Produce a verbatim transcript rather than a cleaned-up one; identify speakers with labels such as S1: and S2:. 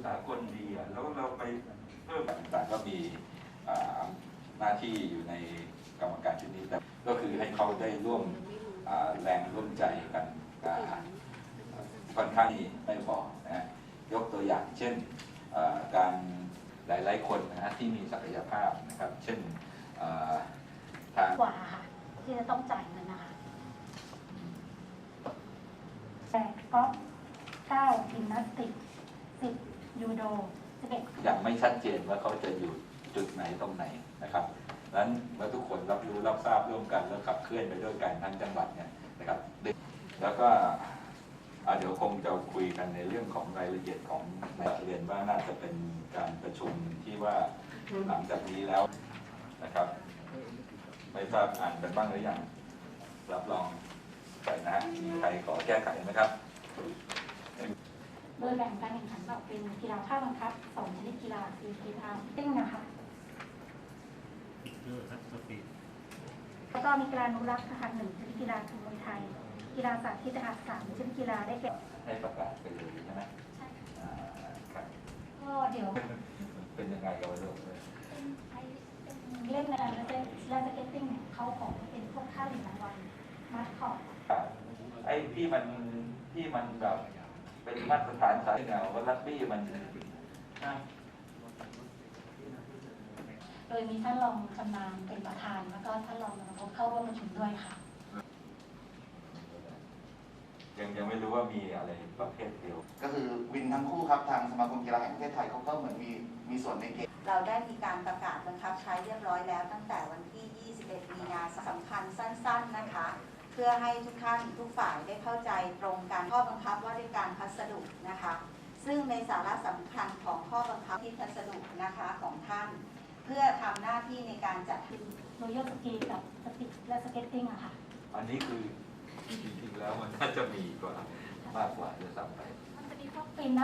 S1: สากลดีอ่ะแล้วเราไปเพิ่มต่างๆก็มีหน้าที่อยู่ในกรรมการชุดนี้แต่ก็คือให้เขาได้ร่วมแรงร่วมใจกันค่อนข้างไม่พอนะยกตัวอย่างเช่นการหลายๆคนนะที่มีศักยภาพนะครับเช่นทาง
S2: กว่าค่ะที่จะต้องจ่ายเงินนะคะแปดกอล์ฟเก้ายิมนาสติกสิบยูโดสิบเอ็ด
S1: ยังไม่ชัดเจนว่าเขาจะอยู่จุดไหนตรงไหนนะครับดังนั้นเมื่อทุกคนรับรู้รับทราบร่วมกันแล้วขับเคลื่อนไปด้วยกันทั้งจังหวัดเนี่ยนะครับแล้วก็เดี๋ยวคงจะคุยกันในเรื่องของรายละเอียดของในเรียนว่าน่าจะเป็นการประชุมที่ว่าหลังจากนี้แล้วนะครับไม่ทราบอ่านกันบ้างหรือยังรับรองไปนะมีใครขอแก้ไขไหมครับ
S2: โดยแบ่งการแข่งขันออกเป็นกีฬาภาคบังคับสองชนิดกีฬาคือกีฬาติ้งนะคะแล้วก็มีกีฬานุรักษ์ทหารหนึ่งชนิดกีฬาคือมวยไทยกีฬาสาธิตทหารสามชนิดกีฬาได้แก่
S1: ให้ประกาศไปเลยใช่ไหม
S2: ใช่
S1: ครับ
S2: ก็เดี๋ยว
S1: เป็นยังไงกันวะลูก
S2: เล่นในการเล่นและสเก็ตติ้งเนี่ยเขาขอเป็นพวกค่าเหรียญรางวัลมาสคอต
S1: ไอ้ที่มันที่มันแบบเป็นมาตรฐานสายเงาว่ารักบี้มัน
S2: โดยมีท่านรองชำนาญเป็นประธานแล้วก็ท่านรองนายกเข้าร่วมประชุมด้วยค่ะ
S1: ยังยังไม่รู้ว่ามีอะไรประเภทเดียว
S3: ก็คือวินทั้งคู่ครับทางสมาคมกีฬาแห่งประเทศไทยเขาก็เหมือนมีมีส่วนในเกม
S4: เราได้มีการประกาศบังคับใช้เรียบร้อยแล้วตั้งแต่วันที่ ยี่สิบเอ็ด มีนาสำคัญสั้นๆนะคะเพื่อให้ทุกท่านทุกฝ่ายได้เข้าใจตรงกันข้อบังคับว่าด้วยการพัสดุนะคะซึ่งในสาระสำคัญของข้อบังคับที่พัสดุนะคะของท่านเพื่อทำหน้าที่ในการจัด
S2: โรยัลสกีกับสติกและสเก็ตติ้งอะค่ะ
S1: อันนี้คือจริงๆแล้วมันน่าจะมีกว่ามากกว่าจะซ้ำไป
S2: มันจะมีพวกฟินนะ